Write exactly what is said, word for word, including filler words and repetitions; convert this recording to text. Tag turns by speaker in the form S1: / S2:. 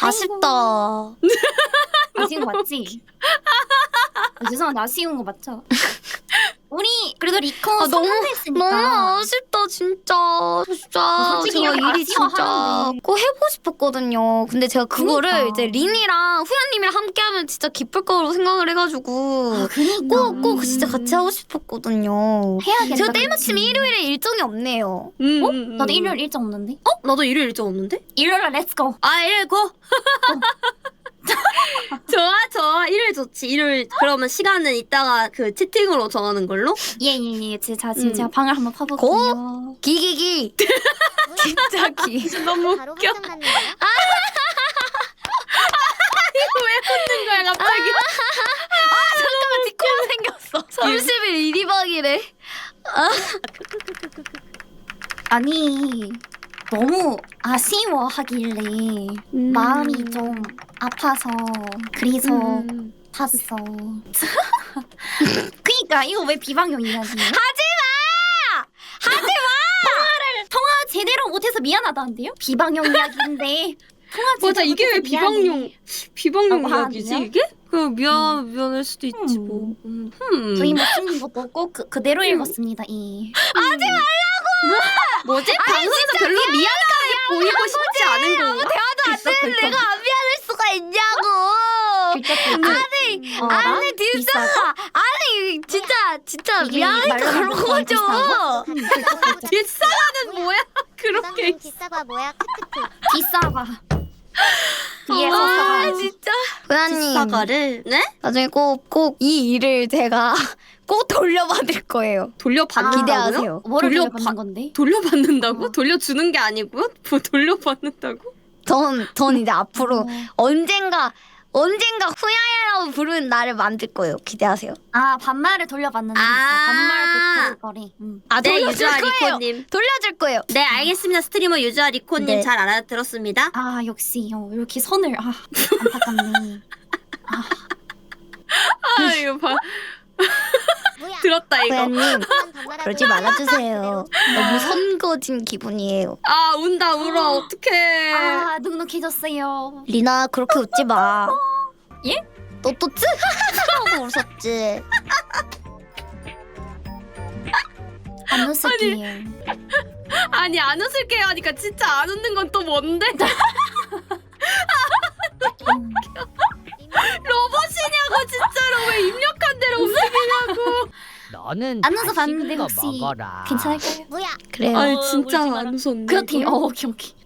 S1: 아쉽다.
S2: 아쉬운 거 맞지? 아, 죄송한데 아쉬운 거 맞죠? 우리 그래도 리코
S1: 아, 너무
S2: 성공했으니까.
S1: 너무 아쉽다 진짜. 진짜
S2: 솔직히
S1: 제가
S2: 이렇게
S1: 일이 진짜
S2: 아쉬워하는데.
S1: 꼭 해보고 싶었거든요. 근데 제가 그거를
S2: 그니까.
S1: 이제 린이랑 후야님이랑 함께하면 진짜 기쁠 거라고 생각을 해가지고
S2: 아, 그니까.
S1: 꼭 꼭 진짜 같이 하고 싶었거든요.
S2: 해야겠다.
S1: 제가 때마침
S2: 그치?
S1: 일요일에 일정이 없네요.
S3: 음,
S2: 어?
S3: 음, 음.
S2: 나도 일요일 일정 없는데?
S3: 어? 나도 일요일 일정 없는데?
S2: 일요일에 렛츠고.
S3: 아 일요일 고! 좋아 좋아 일요일 좋지. 일요일 그러면 시간은 이따가 그 채팅으로 정하는 걸로?
S2: 예예예. 제가 지금
S3: 음.
S2: 제가 방을 한번 파볼게요.
S1: 기기기. 진짜 기.
S3: 너무
S4: 바로
S3: 웃겨.
S4: 확정 맞는 거야?
S3: 왜 웃는 거야 갑자기?
S1: 잠깐만 디코가 생겼어. 삼십 일 일, 이 박이래.
S2: 아니 너무 아쉬워하길래
S3: 음.
S2: 마음이 좀 아파서 그래서
S3: 음.
S2: 봤어. 그니까 이거 왜 비방용이야 지금?
S1: 하지마! 하지마!
S2: 통화를 통화 제대로 못해서 미안하다는데요? 비방용 이야기인데 통화 제대로
S3: 맞아 이게 왜
S2: 못해서 미안해.
S3: 비방용 비방용
S2: 어,
S3: 이야기지
S2: 아니야?
S3: 이게? 그냥 미안 미안할 수도 있지
S2: 음.
S3: 뭐. 음. 음.
S2: 저희 뭐 쓰는 것도 없고 그, 그대로 읽었습니다 이.
S3: 뭐지? 방송에서 별로 미안하게 보이고 싶지 않은 건가?
S1: 대화도 안 되는 내가 안 미안할 수가 있냐고. 아니,
S2: 어,
S1: 아니 진짜
S2: 비싸다?
S1: 아니 진짜 진짜
S2: 이게
S1: 미안하니까
S2: 말로
S1: 그런
S2: 하면
S1: 거죠.
S2: 비싸고?
S3: 뒷사과는 뭐야? 그렇게
S4: 부담은 비싸가 뭐야? 크크크.
S2: 비싸가. 뒤에서
S1: 아
S2: 사가.
S1: 진짜. 후야님
S3: 뒷사과를 네?
S1: 나중에 꼭 꼭 이 일을 제가 꼭 돌려받을 거예요.
S3: 돌려받는다고요?
S1: 기대하세요.
S2: 뭐를
S3: 돌려
S2: 돌려받는
S3: 받-
S2: 건데?
S3: 돌려받는다고?
S2: 어.
S3: 돌려주는 게 아니고요? 뭐 돌려받는다고?
S1: 전, 전 이제 앞으로
S2: 어.
S1: 언젠가 언젠가 후야야라고 부르는 나를 만들 거예요. 기대하세요.
S2: 아 반말을 돌려받는 데 있어.
S3: 아.
S2: 반말 듣을 거래. 응.
S1: 아
S3: 네
S1: 돌려줄
S3: 유주아
S1: 거예요.
S3: 리코님.
S1: 돌려줄 거예요.
S3: 네 알겠습니다. 스트리머 유주아 리코님
S1: 네.
S3: 잘 알아들었습니다.
S2: 아 역시 어, 이렇게 선을 아 안타깝네.
S3: 아 이거 봐
S4: 뭐야?
S3: 들었다 이거.
S1: 후야님
S4: 그만 반말하고
S1: 그러지 말아주세요. 너무 선거진 기분이에요.
S3: 아 운다 울어 어떡해.
S2: 아 눅눅해졌어요.
S1: 리나 그렇게 웃지 마.
S2: 예?
S1: 너또 쯔? 하고 웃었지.
S2: 안 웃을게요.
S3: 아니 안 웃을게요 하니까 진짜 안 웃는 건 또 뭔데?
S2: 음.
S3: 로봇이냐고 진짜로 왜 입력한 대로 움직이냐고.
S5: 너는
S2: 안 웃어
S5: 다시
S2: 봤는데
S5: 그거
S2: 혹시
S5: 먹어라.
S2: 괜찮을까요?
S4: 뭐야?
S1: 그래요.
S3: 아니
S2: 어,
S3: 진짜
S2: 울지
S3: 안
S2: 마라.
S3: 웃었네.
S2: 그렇대요.
S3: 이거.
S2: 어, 오케이 오케이.